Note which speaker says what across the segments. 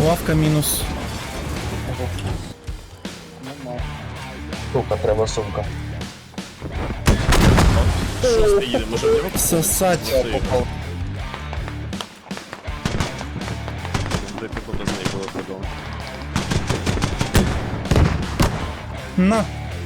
Speaker 1: Лавка мінус.
Speaker 2: Сумка, треба сумка.
Speaker 3: Шостий їде, може в нього
Speaker 1: Сосать.
Speaker 3: де типу без неї було подобно.
Speaker 1: На.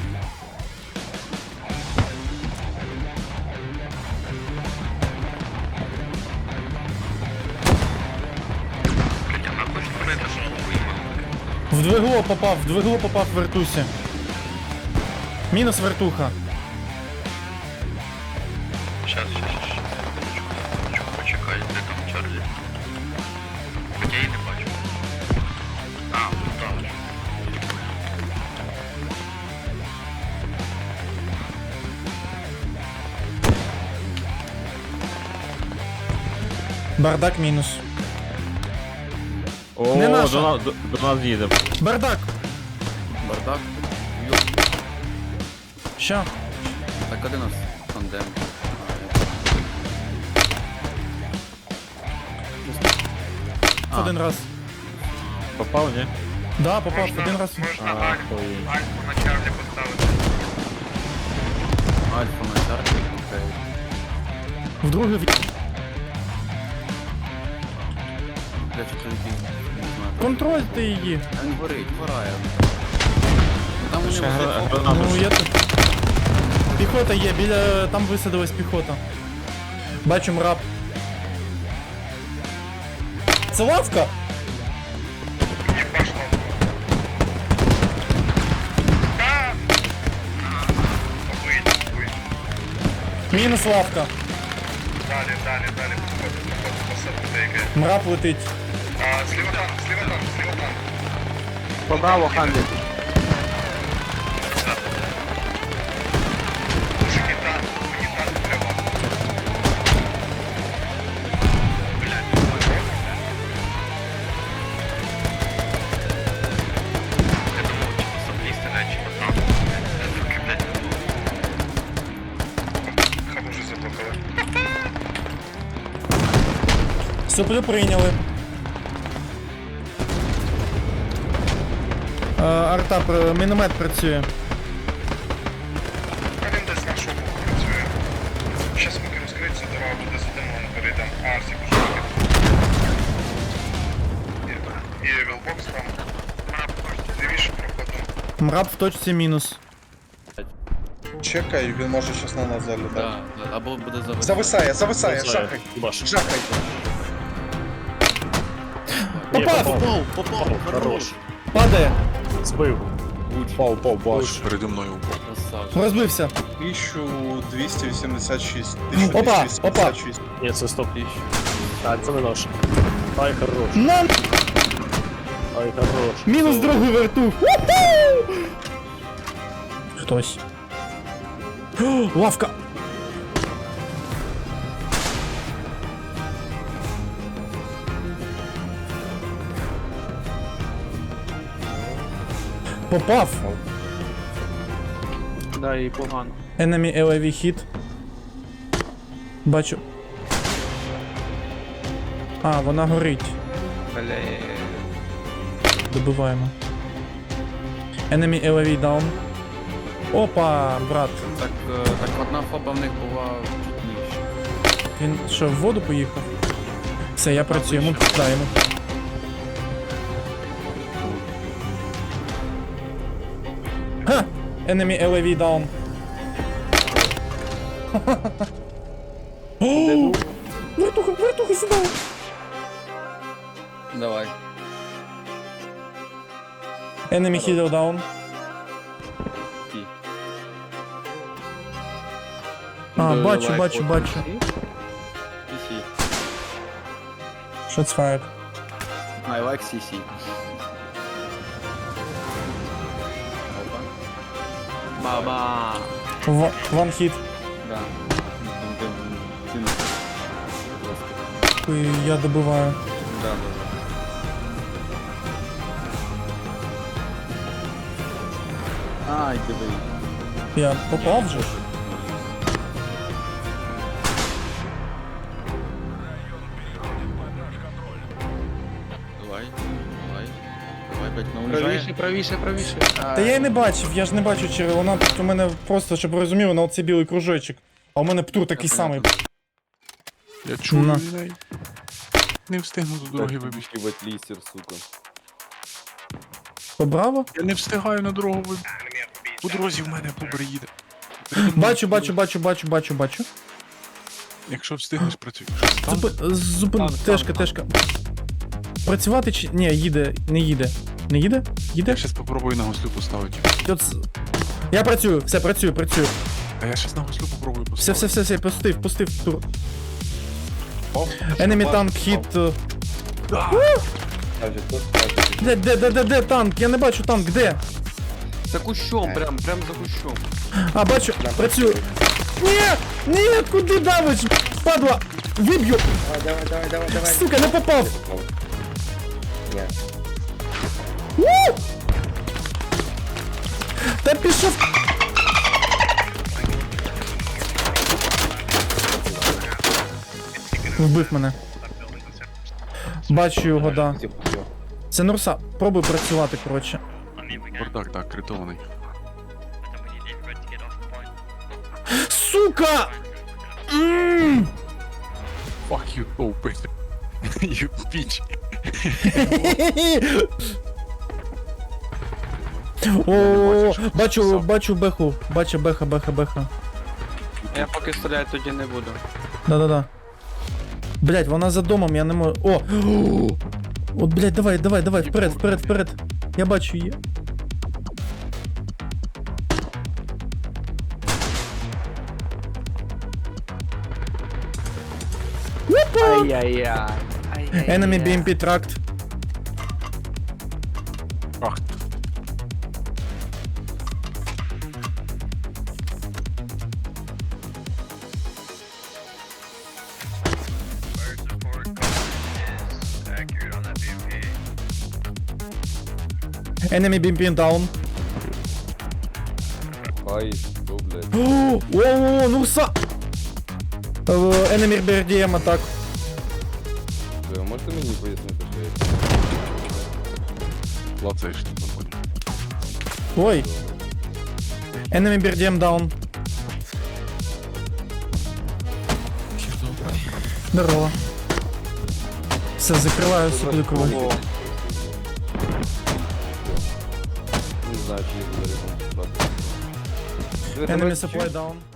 Speaker 1: В двигло попав в вертусі. Мінус вертуха.
Speaker 4: Сейчас. Почекай, де там Чарлі? Хоча я її не бачу. А, тут там.
Speaker 1: Бардак мінус.
Speaker 3: О,
Speaker 1: Не наша.
Speaker 3: до нас їде.
Speaker 1: Бардак.
Speaker 5: Бардак.
Speaker 1: Ща.
Speaker 5: Так а де нас тандем?
Speaker 1: Один раз.
Speaker 3: Попав, ні?
Speaker 1: Да, попав один раз.
Speaker 4: Можна
Speaker 3: Охуєть.
Speaker 4: Альфу на Чарлі поставити.
Speaker 5: Альфа на чарті, окей.
Speaker 1: Вдруге
Speaker 5: Бля, що не знаю.
Speaker 1: контрольте її.
Speaker 5: А він горить, горає. Ну, там вони
Speaker 3: Ще
Speaker 5: вже
Speaker 3: гранату.
Speaker 1: Ну я тут. Піхота є, біля. Там висадилась піхота. Бачу мрап. Це лавка? Мінус лавка.
Speaker 4: Далі, посадити яке.
Speaker 1: Мрап летить.
Speaker 4: Зліва танк.
Speaker 2: Поправо, Ханлі.
Speaker 4: Мужики, мені танк треба. Я думав, чи по соплі стріляють, чи по танку. Руки, блядь, не було. Хаб уже заблокали.
Speaker 1: Соплю прийняли. Арта, міномет працює.
Speaker 4: А він десь на шоку працює. Щас поки розкриється, дорога буде задимлена, перейдем. Арсік уже і вілбокс там. Лівіше проходимо.
Speaker 1: Мрап в точці мінус.
Speaker 6: Чекай, він може щас на нас залітати.
Speaker 5: Да, або буде зависати.
Speaker 6: Зависає, жахай.
Speaker 3: Баш.
Speaker 6: Жахай.
Speaker 1: Попав!
Speaker 3: Попав, хорош.
Speaker 1: Падає!
Speaker 3: Збив. Пав, баш.
Speaker 7: Переді мною упав.
Speaker 5: Красавчик.
Speaker 1: Розбився.
Speaker 6: 1286.
Speaker 1: Опа,
Speaker 6: 1286.
Speaker 3: Ні, це стоп. А, це не наш. Ай, хорош.
Speaker 1: На!
Speaker 3: Ай, хорош.
Speaker 1: Мінус другий вертух. Уху! Хтось. О, лавка! Попав!
Speaker 2: Да, і погано.
Speaker 1: Enemy LAV hit. Бачу. А, вона горить.
Speaker 2: Бля.
Speaker 1: Добиваємо. Enemy LAV down. Опа, брат.
Speaker 5: Так одна фоба в них була чуть нижче.
Speaker 1: Він що, в воду поїхав? Все, я працюю, йому даємо. Ха! Enemy LAV down. О! Вертуха сюди!
Speaker 5: Давай.
Speaker 1: Enemy healer down.
Speaker 5: Ті.
Speaker 1: А, бачу.
Speaker 5: CC.
Speaker 1: Shots fired.
Speaker 5: I like CC. Опа. Баба.
Speaker 1: One hit.
Speaker 5: Да. Там де він жорстко.
Speaker 1: І я добиваю.
Speaker 5: Да. Ай, диви.
Speaker 1: Я попав же ж?
Speaker 5: Давай. блядь, вона уїжджає.
Speaker 2: Правіше.
Speaker 1: Та я і не бачив, я ж не бачу через вона у мене просто, щоб ви розуміли, на оцей білий кружочок. А у мене птур такий самий.
Speaker 7: Я чую
Speaker 1: На.
Speaker 7: людей. Не встигну до дороги вибігти.
Speaker 8: Ебать листер, сука.
Speaker 1: Побраво?
Speaker 7: Я не встигаю на дорогу вибігти. По дорозі в мене бобр їде.
Speaker 1: Бачу.
Speaker 7: Якщо встигнеш, працюй. Що це там?
Speaker 1: Зупин, тежка. Працювати чи. Ні, їде, не їде. Не їде? Їде?
Speaker 7: Я щас попробую на гослю поставити.
Speaker 1: Я працюю, все, працюю.
Speaker 7: А я щас на гослю попробую поставити.
Speaker 1: Все, пустив тур.
Speaker 6: О,
Speaker 1: Enemy tank hit.
Speaker 2: Каже, тут, каже.
Speaker 1: Де танк? Я не бачу танк, де?
Speaker 5: За кущом, прям за кущом.
Speaker 1: А, бачу, працюю. Ні, куди давиш? Падла! Виб'ю!
Speaker 2: Давай.
Speaker 1: Сука, не попав!
Speaker 2: Ні.
Speaker 1: У! Та пішов! Вбив мене. Бачу його, да. Це Нурса. Пробуй працювати, коротше.
Speaker 7: Бардак, так, критований.
Speaker 1: Сука!
Speaker 7: Fuck you, open. You bitch.
Speaker 1: О, бачу беху. Бачу беха.
Speaker 2: Я поки стріляти тоді не буду.
Speaker 1: Да. Блять, вона за домом, я не можу. О! От, блять, давай, вперед. Я бачу її.
Speaker 2: Ай-яй-яй.
Speaker 1: Enemy BMP tracked.
Speaker 7: Ах,
Speaker 4: Fire support is accurate on that BMP.
Speaker 1: Enemy BMP down.
Speaker 8: Ай, что, блядь.
Speaker 1: О, Нурса! Enemy BRDM атак.
Speaker 8: Бля, можете мені пояснити, що я
Speaker 7: лацаєш ти походу.
Speaker 1: Ой. Enemy BRDM down. Здорово. Все, закриваю супликову.
Speaker 8: не знаю, чи я буду рекомендувати.
Speaker 1: Enemy supply down.